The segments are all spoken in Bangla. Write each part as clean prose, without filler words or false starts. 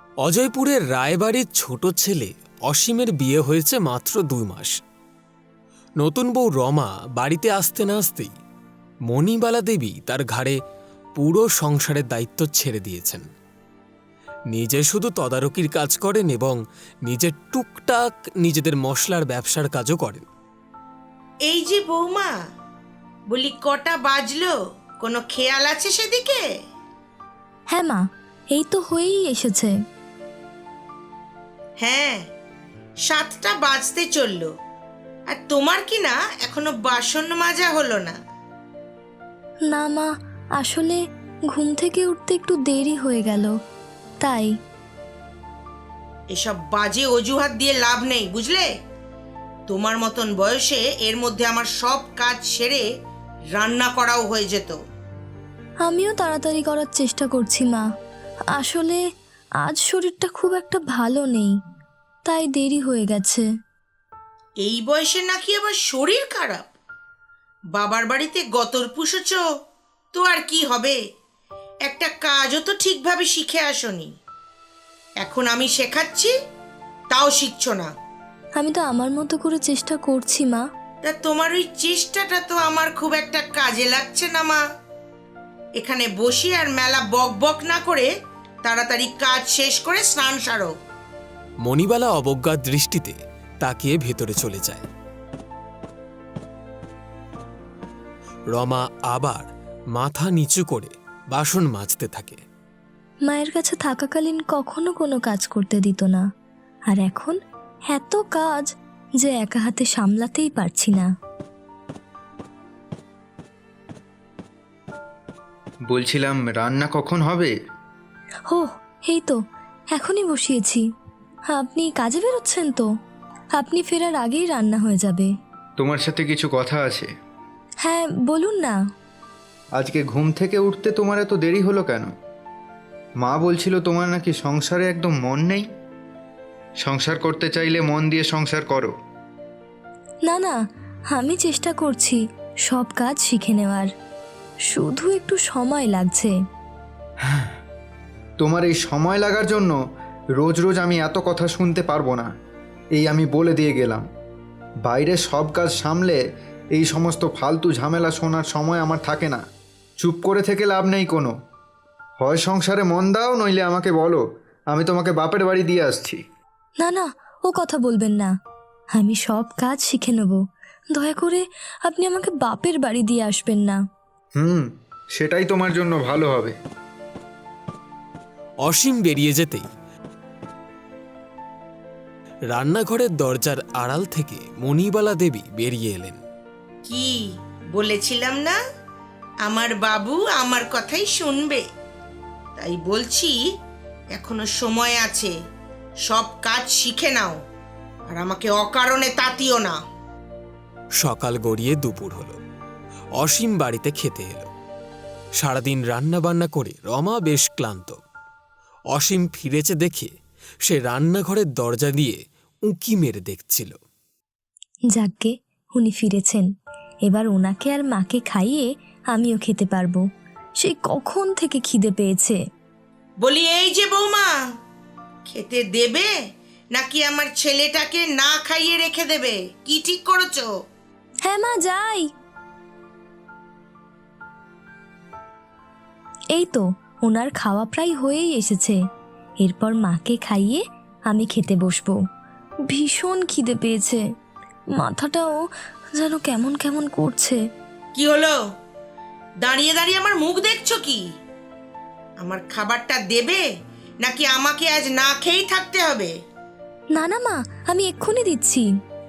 অজয়পুরের রায়বাড়ির ছোট ছেলে অসীমের বিয়ে হয়েছে মাত্র 2 মাস। নতুন বউ রমা বাড়িতে আসতে না আসতেই মণিবালা দেবী তার ঘাড়ে পুরো সংসারের দায়িত্ব ছেড়ে দিয়েছেন। নিজে শুধু তদারকির কাজ করেন এবং নিজের টুকটাক নিজেদের মশলার ব্যবসার কাজও করেন। এই যে বৌমা, বলি কটা বাজলো, কোনো খেয়াল আছে সেদিকে? হ্যাঁ মা, এই তো হয়েই এসেছে। হ্যাঁ, 7টা বাজতে চললো, আর তোমার কি না এখনো বাসন মাজা হলো না? না মা, আসলে ঘুম থেকে উঠতে একটু দেরি হয়ে গেল, তাই। এসব বাজে অজুহাত দিয়ে লাভ নেই, বুঝলে? তোমার মতন বয়সে এর মধ্যে আমার সব কাজ সেরে রান্না করাও হয়ে যেত। আমিও তাড়াতাড়ি করার চেষ্টা করছি মা, আসলে আজ শরীরটা খুব একটা ভালো নেই, তাই দেরি হয়ে গেছে। এই বয়সে নাকি আবার শরীর খারাপ? বাবার বাড়িতে গতর পুষেছ তো আর কি হবে? একটা কাজও তো ঠিকভাবে শিখে আসনি, এখন আমি শেখাচ্ছি তাও শিখছো না। আমি তো আমার মতো করে চেষ্টা করছি মা। তা তোমার ওই চেষ্টাটা তো আমার খুব একটা কাজে লাগছে না মা। এখানে বসি আর মেলা বক বক না করে তাড়াতাড়ি কাজ শেষ করে স্নান সারো। মণিবালা অবজ্ঞার দৃষ্টিতে তাকিয়ে ভেতরে চলে যায়। রমা আবার মাথা নিচু করে বাসন মাজতে থাকে। মায়ের কাছে থাকাকালীন কখনো কোনো কাজ করতে দিত না, আর এখন এত কাজ যে একা হাতে সামলাতেই পারছি না। বলছিলাম, রান্না কখন হবে? ও, এই তো এখনই বসিয়েছি। আপনি কাজে বেরোচ্ছেন তো? আপনি ফেরার আগেই রান্না হয়ে যাবে। তোমার সাথে কিছু কথা আছে। হ্যাঁ, বলুন না। আজকে ঘুম থেকে উঠতে তোমার এত দেরি হলো কেন? মা বলছিল তোমার নাকি সংসারে একদম মন নেই। সংসার করতে চাইলে মন দিয়ে সংসার করো। না না, আমি চেষ্টা করছি সব কাজ শিখে নেওয়ার, শুধু একটু সময় লাগছে। তোমার এই সময় লাগার জন্য রোজ রোজ আমি এত কথা শুনতে পারবো না, এই আমি বলে দিয়ে গেলাম। বাইরে সব কাজ সামলে এই সমস্ত ফালতু ঝামেলা শোনার সময় আমার থাকে না। চুপ করে থেকে লাভ নেই কোনো। হয় সংসারে মন দাও, নইলে আমাকে বলো, আমি তোমাকে বাপের বাড়ি দিয়ে আসছি। না না, ও কথা বলবেন না, আমি সব কাজ শিখে নেব। দয়া করে আপনি আমাকে বাপের বাড়ি দিয়ে আসবেন না। সেটাই তোমার জন্য ভালো হবে। অসীম বেরিয়ে যেতেই রান্নাঘরের দরজার আড়াল থেকে মণিবালা দেবী বেরিয়ে এলেন। কি বলেছিলাম না, আমার বাবু আমার কথাই শুনবে? তাই বলছি, এখনো সময় আছে, সব কাজ শিখে নাও, আর আমাকে অকারণে তাতিও না। সকাল গড়িয়ে দুপুর হলো। অসীম বাড়িতে খেতে এলো। সারাদিন রান্না বান্না করে রমা বেশ ক্লান্ত। অসীম ফিরেছে দেখে সে রান্নাঘরের দরজা দিয়ে উঁকি মেরে দেখছিল। যাকগে, উনি ফিরেছেন, এবার ওনাকে আর মাকে খাইয়ে আমিও খেতে পারবো। সেই কখন থেকে খিদে পেয়েছে। বলি, এই যে বৌমা, খেতে দেবে নাকি আমার ছেলেটাকে না খাইয়ে রেখে দেবে? কি ঠিক করেছো? হ্যাঁ মা, যাই। এই তো ওনার খাওয়া প্রায় হয়েই এসেছে, এরপর মাকে খাইয়ে আমি খেতে বসবো। ভীষণ খিদে পেয়েছে, মাথাটাও যেন কেমন কেমন করছে। কি হলো? দাঁড়িয়ে দাঁড়িয়ে আমার মুখ দেখছো কি? আমার খাবারটা দেবে নাকি আমাকে আজ না খেয়েই থাকতে হবে? না না মা, আমি এক্ষুনি দিচ্ছি।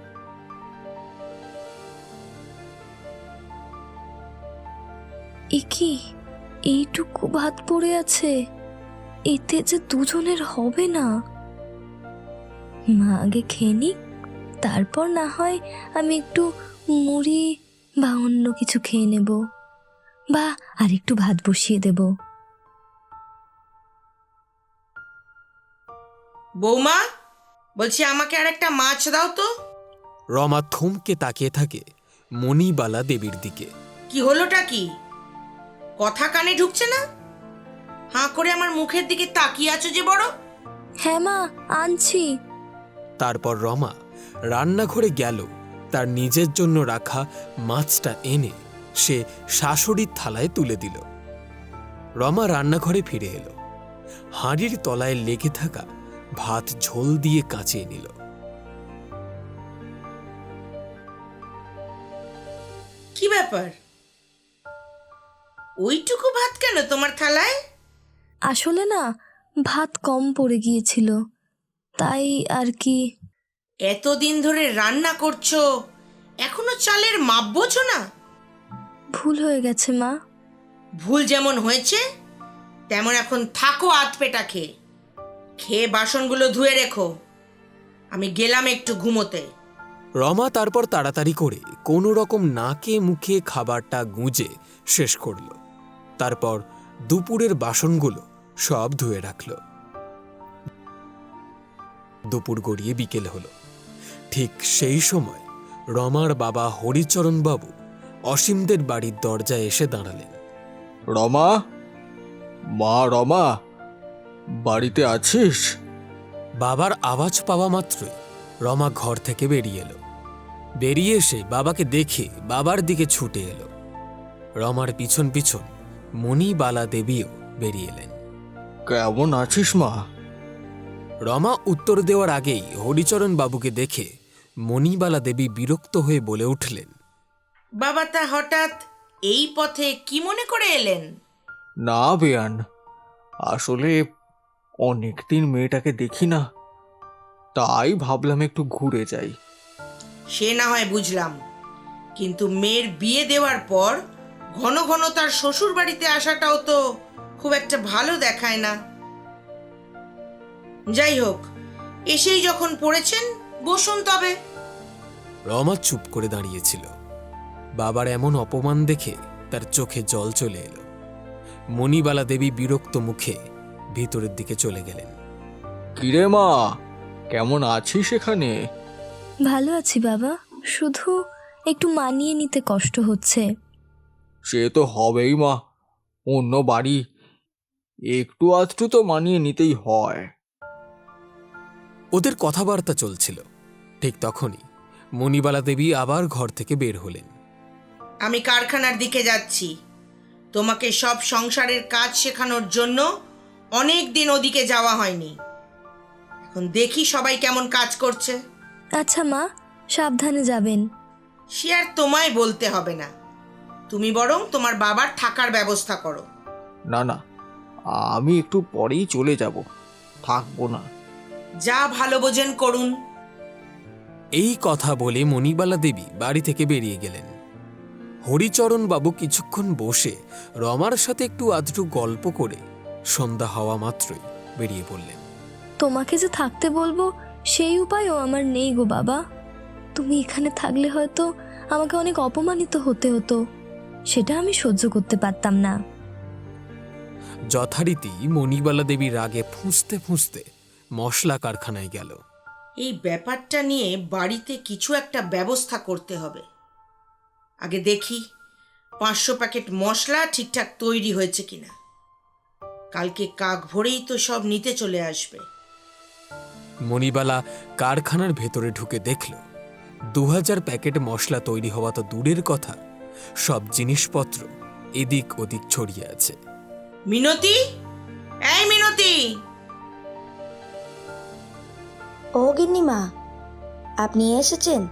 এ কি, এইটুকু ভাত পড়ে আছে, এতে যে দুজনের হবে না। মা আগে খেয়ে নিক, তারপর না হয় আমি একটু মুড়ি বা অন্য কিছু খেয়ে নেব, বা আর একটু ভাত বসিয়ে দেব। বৌমা, বলছি আমাকে আর একটা মাছ দাও তো। রমা থমকে তাকিয়ে থাকে মণিবালা দেবীর দিকে। কি হলোটা কি? কথা কানে ঢুকছে না? হাঁ করে আমার মুখের দিকে তাকিয়ে আছো যে বড়। হ্যাঁ মা, আনছি। তারপর রমা রান্নাঘরে গেল, তার নিজের জন্য রাখা মাছটা এনে সে শাশুড়ির থালায় তুলে দিল। রমা রান্নাঘরে ফিরে এলো, হাঁড়ির তলায় লেগে থাকা ভাত ঝোল দিয়ে কাঁচিয়ে নিল। কি ব্যাপার, ওইটুকু ভাত কেন তোমার থালায়? আসলে না, ভাত কম পড়ে গিয়েছিল, তাই আর কি। এতদিন ধরে রান্না করছো, এখনো চালের মাপ বোঝো না? ভুল হয়ে গেছে মা। ভুল যেমন হয়েছে তেমন এখন থাকো আধপেটা খেয়ে। খেয়ে বাসনগুলো ধুয়ে রেখো, আমি গেলাম একটু ঘুমোতে। রমা তারপর তাড়াতাড়ি করে কোনো রকম নাকে মুখে খাবারটা গুঁজে শেষ করল। তারপর দুপুরের বাসনগুলো সব ধুয়ে রাখল। দুপুর গড়িয়ে বিকেল হলো। ঠিক সেই সময় রমার বাবা হরিচরণ বাবু অসীমদের বাড়ির দরজায় এসে দাঁড়ালেন। রমা, মা রমা, বাড়িতে আছিস? বাবার আওয়াজ পাওয়া মাত্রই রমা ঘর থেকে বেরিয়ে এলো। বেরিয়ে এসে বাবাকে দেখে বাবার দিকে ছুটে এলো। রমার পিছন পিছন মণিবালা দেবীও বেরিয়ে এলেন। কেমন আছিস মা? রমা উত্তর দেওয়ার আগেই হরিচরণ বাবুকে দেখে মণিবালা দেবী বিরক্ত হয়ে বলে উঠলেন, বাবা তা হঠাৎ এই পথে কি মনে করে এলেন? না বেয়ান, আসলে অনেকদিন মেয়েটাকে দেখি না, তাই ভাবলাম একটু ঘুরে যাই। সে না হয় বুঝলাম, কিন্তু মেয়ের বিয়ে দেওয়ার পর ঘন ঘন তার শ্বশুর বাড়িতে আসাটাও তো খুব একটা ভালো দেখায় না। যাই হোক, এসেই যখন পড়েছেন বসুন তবে। রমা চুপ করে দাঁড়িয়েছিল। বাবার এমন অপমান দেখে তার চোখে জল চলে এলো। মণিবালা দেবী বিরক্ত মুখে ভিতরের দিকে চলে গেলেন। কিরে মা, কেমন আছিস এখানে? ভালো আছি বাবা, শুধু একটু মানিয়ে নিতে কষ্ট হচ্ছে। সে তো হবেই মা, অন্য বাড়ি, একটু আধটু তো মানিয়ে নিতেই হয়। ওদের কথাবার্তা চলছিল। ঠিক তখনই মণিবালা দেবী আবার ঘর থেকে বের হলেন। আমি কারখানার দিকে যাচ্ছি। তোমাকে সব সংসারের কাজ শেখানোর জন্য অনেক দিন ওদিকে যাওয়া হয়নি। এখন দেখি সবাই কেমন কাজ করছে। আচ্ছা মা, সাবধানে যাবেন। সে আর তোমায় বলতে হবে না, তুমি বরং তোমার বাবার থাকার ব্যবস্থা করো। না না, আমি একটু পরেই চলে যাব, থাকবো না। যা ভালো বোঝেন করুন। এই কথা বলে মণিবালা দেবী বাড়ি থেকে বেরিয়ে গেলেন। হরিচরণ বাবু কিছুক্ষণ বসে রমার সাথে একটু আধটু গল্প করে সন্ধ্যা হওয়া মাত্রই বেরিয়ে পড়লেন। তোমাকে যে থাকতে বলবো সেই উপায়ও আমার নেই গো বাবা। তুমি এখানে থাকলে হয়তো আমাকে অনেক অপমানিত হতে হতো, সেটা আমি সহ্য করতে পারতাম না। যথারীতি মণিবালা দেবী রাগে ফুঁসতে ফুঁসতে মশলা কারখানায় গেল। এই ব্যাপারটা নিয়ে বাড়িতে কিছু একটা ব্যবস্থা করতে হবে। আগে দেখি 500 প্যাকেট মশলা ঠিকঠাক তৈরি হয়েছে কিনা। কালকে কাক ভোরেই তো সব নিতে চলে আসবে। মণিবালা কারখানার ভেতরে ঢুকে দেখল 2000 প্যাকেট মশলা তৈরি হওয়া তো দূরের কথা, সব জিনিসপত্র এদিক ওদিক ছড়িয়ে আছে। মিনতি, এই মিনতি! ও গিন্নিমা, আপনি এসেছেন?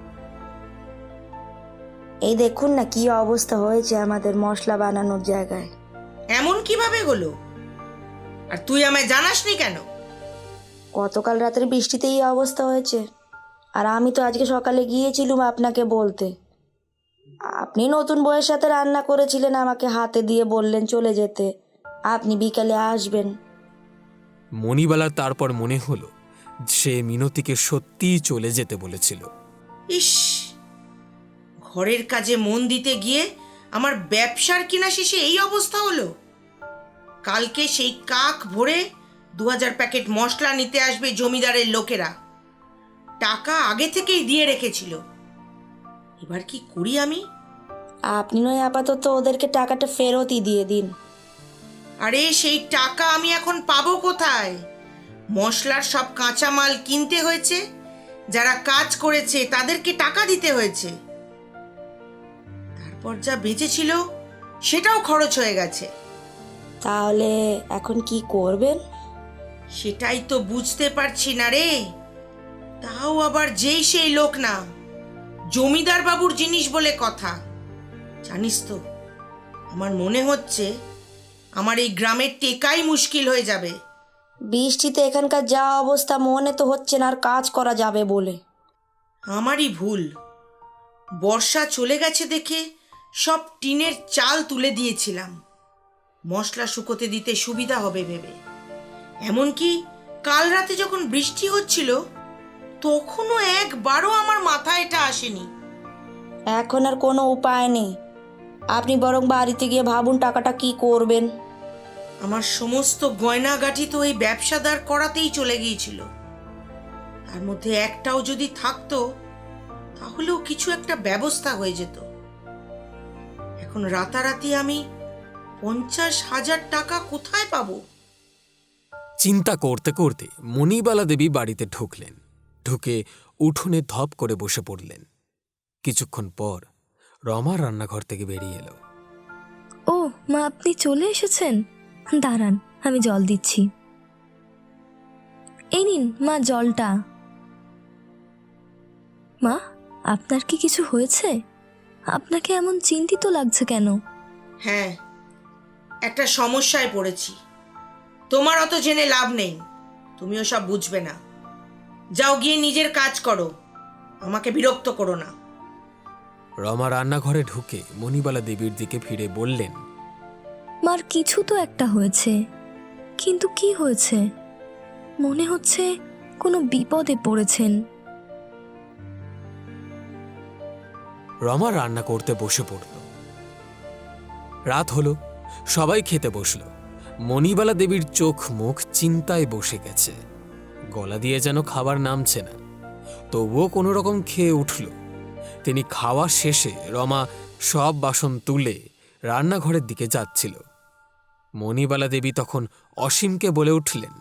এই দেখুন না কি অবস্থা হয়েছে আমাদের মশলা বানানোর জায়গায়। এমন কিভাবে হলো? আর তুই আমায় জানাসনি কেন? গতকাল রাতের বৃষ্টিতে এই অবস্থা হয়েছে, আর আমি তো আজকে সকালে গিয়েছিলাম আপনাকে বলতে। আপনি নতুন বউয়ের সাথে রান্না করেছিলেন, আমাকে হাতে দিয়ে বললেন চলে যেতে, আপনি বিকালে আসবেন। মণিবালার তারপর মনে হলো সে মিনতিকে সত্যিই চলে যেতে বলেছিল। ইস, ঘরের কাজে মন দিতে গিয়ে আমার ব্যবসার কিনা শেষে এই অবস্থা হলো। কালকে সেই কাক ভরে 2000 প্যাকেট মশলা নিতে আসবে জমিদারের লোকেরা। টাকা আগে থেকেই দিয়ে রেখেছিল। এবার কি করি আমি? আপনি নয় আপাতত ওদেরকে টাকাটা ফেরতই দিয়ে দিন। আরে সেই টাকা আমি এখন পাবো কোথায়? মশলার সব কাঁচামাল কিনতে হয়েছে, যারা কাজ করেছে তাদেরকে টাকা দিতে হয়েছে, তারপর যা বেঁচেছিল সেটাও খরচ হয়ে গেছে। তাহলে এখন কি করবেন? সেটাই তো বুঝতে পারছি না রে। তাও আবার যেই সেই লোক না, জমিদার বাবুর জিনিস বলে কথা। জানিস তো, আমার মনে হচ্ছে আমার এই গ্রামের টেকাই মুশকিল হয়ে যাবে। বৃষ্টিতে এখানকার যা অবস্থা, মনে তো হচ্ছে না আর কাজ করা যাবে বলে। আমারই ভুল। বর্ষা চলে গেছে দেখে সব টিনের চাল তুলে দিয়েছিলাম, মশলা শুকোতে দিতে সুবিধা হবে ভেবে। এমনকি কাল রাতে যখন বৃষ্টি হচ্ছিল তখনও একবারও আমার মাথায় এটা আসেনি। এখন আর কোনো উপায় নেই। আপনি বরং বাড়িতে গিয়ে ভাবুন টাকাটা কি করবেন। আমার সমস্ত গয়নাগাটি তো এই ব্যবসাদার করাতেই চলে গিয়েছিল। তার মধ্যে একটাও যদি থাকতো তাহলেও কিছু একটা ব্যবস্থা হয়ে যেত। এখন রাতারাতি আমি 50,000 টাকা কোথায় পাবো? চিন্তা করতে করতে মণিবালা দেবী বাড়িতে ঢুকলেন। ঢুকে উঠোনে ধপ করে বসে পড়লেন। কিছুক্ষণ পর রমা রান্নাঘর থেকে বেরিয়ে এলো। ও মা, আপনি চলে এসেছেন? দাঁড়ান, আমি জল দিচ্ছি। এই নিন মা জলটা। মা, আপনার কি কিছু হয়েছে? আপনাকে এমন চিন্তিত লাগছে কেন? হ্যাঁ, একটা সমস্যায় পড়েছি। তোমার অত জেনে লাভ নেই, তুমিও সব বুঝবে না। যাও গিয়ে নিজের কাজ করো, আমাকে বিরক্ত করো না। রমা রান্নাঘরে ঢুকে মণিবালা দেবীর দিকে ফিরে বললেন, মার কিছু তো একটা হয়েছে, কিন্তু কি হয়েছে? মনে হচ্ছে কোনো বিপদে পড়েছেন। রমা রান্না করতে বসে পড়ল। রাত হলো, সবাই খেতে বসল। মণিবালা দেবীর চোখ মুখ চিন্তায় বসে গেছে, গলা দিয়ে যেন খাবার নামছে না। তবুও কোনো রকম খেয়ে উঠল। তিনি খাওয়া শেষে রমা সব বাসন তুলে রান্নাঘরের দিকে যাচ্ছিল। মণিবালা দেবী তখন অসীমকে বলে উঠলেন,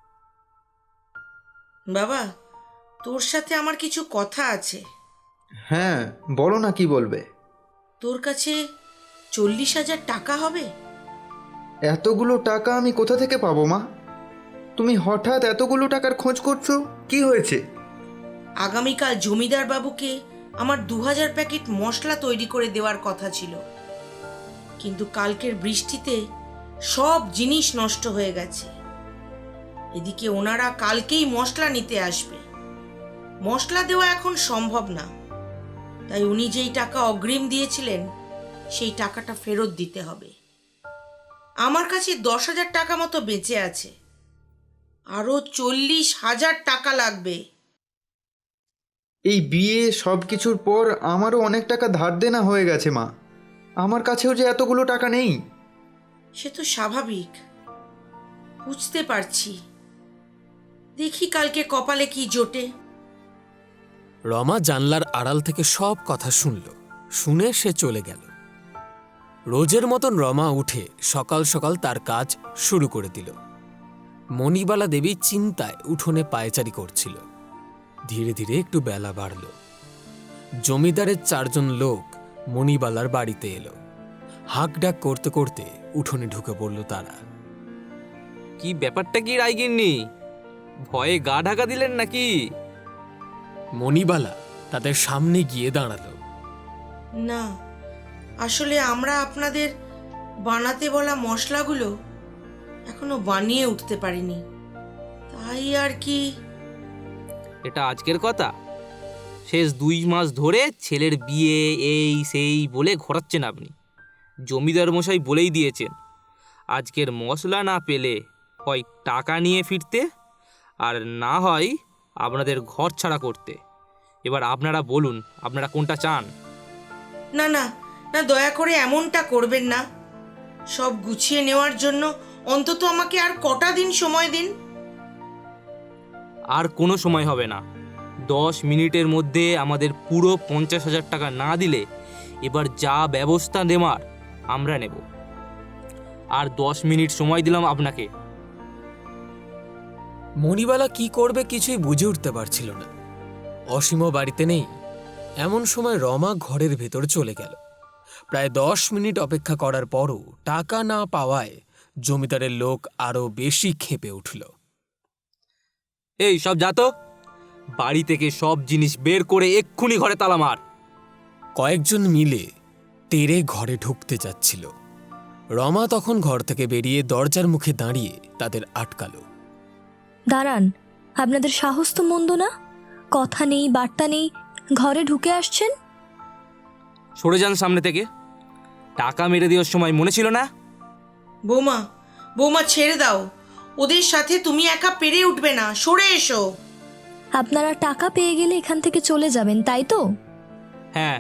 বাবা, তোর সাথে আমার কিছু কথা আছে। হ্যাঁ, বলো না, কি বলবে? তোর কাছে 40,000 টাকা হবে? এতগুলো টাকা আমি কোথা থেকে পাবো মা? তুমি হঠাৎ এতগুলো টাকার খোঁজ করছো, কি হয়েছে? আগামীকাল জমিদার বাবুকে আমার 2000 প্যাকেট মশলা তৈরি করে দেওয়ার কথা ছিল, কিন্তু কালকের বৃষ্টিতে সব জিনিস নষ্ট হয়ে গেছে। এদিকে ওনারা কালকেই মশলা নিতে আসবে। মশলা দেওয়া এখন সম্ভব না, তাই উনি যেই টাকা অগ্রিম দিয়েছিলেন সেই টাকাটা ফেরত দিতে হবে। আমার কাছে 10,000 টাকা মতো বেঁচে আছে, আরও 40,000 টাকা লাগবে। এই বিয়ে সব কিছুর পর আমারও অনেক টাকা ধার দেনা হয়ে গেছে মা। আমার কাছেও যে এতগুলো টাকা নেই। সে তো স্বাভাবিক, বুঝতে পারছি। দেখি কালকে কপালে কি জোটে। রমা জানলার আড়াল থেকে সব কথা শুনল। শুনে সে চলে গেল। রোজের মতন রমা উঠে সকাল সকাল তার কাজ শুরু করে দিল। মণিবালা দেবী চিন্তায় উঠোনে পায়চারি করছিল। ধীরে ধীরে একটু বেলা বাড়ল। জমিদারের 4 জন লোক মণিবালার বাড়িতে এলো। হাঁকডাক করতে করতে উঠোনে ঢুকে পড়ল তারা। কি ব্যাপারটা কি রাইগিন্নি? ভয়ে গা ঢাকা দিলেন নাকি? মণিবালা তাদের সামনে গিয়ে দাঁড়ালো। না, আসলে আমরা আপনাদের বানাতে বলা মশলাগুলো এখনো বানিয়ে উঠতে পারিনি, তাই আর কি। এটা আজকের কথা? শেষ 2 মাস ধরে ছেলের বিয়ে এই সেই বলে ঘোরাচ্ছেন আপনি। জমিদার মশাই বলেই দিয়েছেন, আজকের মশলা না পেলে হয় টাকা নিয়ে ফিরতে, আর না হয় আপনাদের ঘর ছাড়া করতে। এবার আপনারা বলুন, আপনারা কোনটা চান? না না না, দয়া করে এমনটা করবেন না। সব গুছিয়ে নেওয়ার জন্য অন্তত আমাকে আর কটা দিন সময় দিন। আর কোনো সময় হবে না। 10 মিনিটের মধ্যে আমাদের পুরো 50,000 টাকা না দিলে এবার যা ব্যবস্থা নেওয়ার আমরা নেব। আর 10 মিনিট সময় দিলাম আপনাকে। মণিবালা কি করবে কিছুই বুঝে উঠতে পারছিল না। অসীমও বাড়িতে নেই। এমন সময় রমা ঘরের ভেতর চলে গেল। প্রায় 10 মিনিট অপেক্ষা করার পরও টাকা না পাওয়ায় জমিদারের লোক আরো বেশি ক্ষেপে উঠল। এই সব যা তো, বাড়ি থেকে সব জিনিস বের করে এক্ষুনি ঘরে তালা মার। কয়েকজন মিলে তেড়ে ঘরে ঢুকতে যাচ্ছিল। রমা তখন ঘর থেকে বেরিয়ে দরজার মুখে দাঁড়িয়ে তাদের আটকালো। দাঁড়ান, আপনাদের সাহস তো মন্দ না। কথা নেই, বার্তা নেই, ঘরে ঢুকে আসছেন। সরে যান সামনে থেকে। টাকা মেরে দেওয়ার সময় মনে ছিল না? বৌমা, বৌমা ছেড়ে দাও, ওদের সাথে তুমি একা পেরে উঠবে না, সরে এসো। আপনারা টাকা পেয়ে গেলে এখান থেকে চলে যাবেন, তাই তো? হ্যাঁ।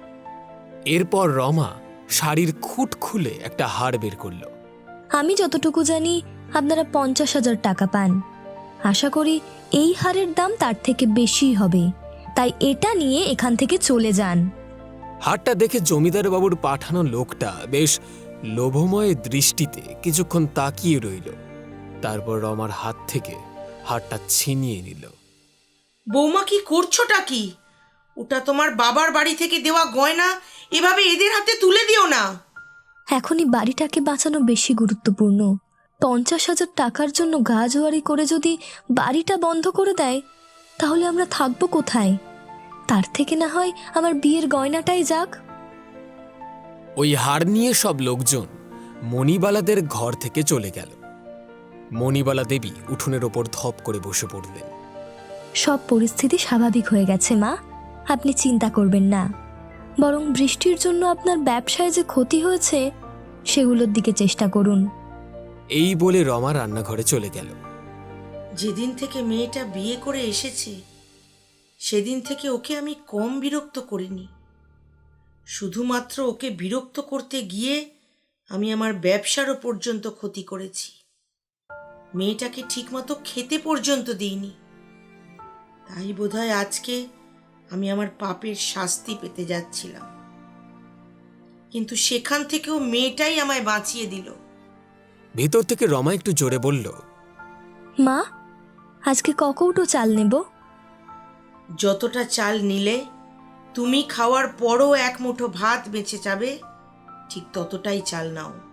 এরপর রমা শাড়ির খুঁট খুলে একটা হাড় বের করল। আমি যতটুকু জানি আপনারা 50,000 টাকা পান। আশা করি এই হারের দাম তার থেকে বেশি হবে, তাই এটা নিয়ে এখান থেকে চলে যান। হাড়টা দেখে জমিদার বাবুর পাঠানো লোকটা বেশ লোভময় দৃষ্টিতে কিছুক্ষণ তাকিয়ে রইল। তারপর রমার হাত থেকে হাড়টা ছিনিয়ে নিল। বৌমা কি করছোটা কি? ওটা তোমার বাবার বাড়ি থেকে দেওয়া গয়না, এভাবে এদের হাতে তুলে দিও না। এখনই বাড়িটাকে বাঁচানো বেশি গুরুত্বপূর্ণ। 50,000 টাকার জন্য গা জোয়ারি করে যদি বাড়িটা বন্ধ করে দেয়, তাহলে আমরা থাকবো কোথায়? তার থেকে না হয় আমার বিয়ের গয়নাটাই যাক। ওই হাড় নিয়ে সব লোকজন মণিবালাদের ঘর থেকে চলে গেল। মণিবালা দেবী উঠোনের ওপর ধপ করে বসে পড়লেন। সব পরিস্থিতি স্বাভাবিক হয়ে গেছে মা, আপনি চিন্তা করবেন না। বরং বৃষ্টির জন্য আপনার ব্যবসায় যে ক্ষতি হয়েছে সেগুলোর দিকে চেষ্টা করুন। এই বলে রমা রান্নাঘরে চলে গেল। যেদিন থেকে মেয়েটা বিয়ে করে এসেছে সেদিন থেকে ওকে আমি কম বিরক্ত করিনি। শুধুমাত্র ওকে বিরক্ত করতে গিয়ে আমি আমার ব্যবসারও পর্যন্ত ক্ষতি করেছি। মেয়েটাকে ঠিকমতো খেতে পর্যন্ত দিইনি। তাই বোধহয় আজকে আমি আমার পাপের শাস্তি পেতে যাচ্ছিলাম, কিন্তু সেখান থেকেও মেয়েটাই আমায় বাঁচিয়ে দিল। ভেতর থেকে রমা একটু জোরে বলল, মা, আজকে ক কৌটো চাল নেব? যতটা চাল নিলে তুমি খাওয়ার পরও এক মুঠো ভাত বেঁচে যাবে, ঠিক ততটাই চাল নাও।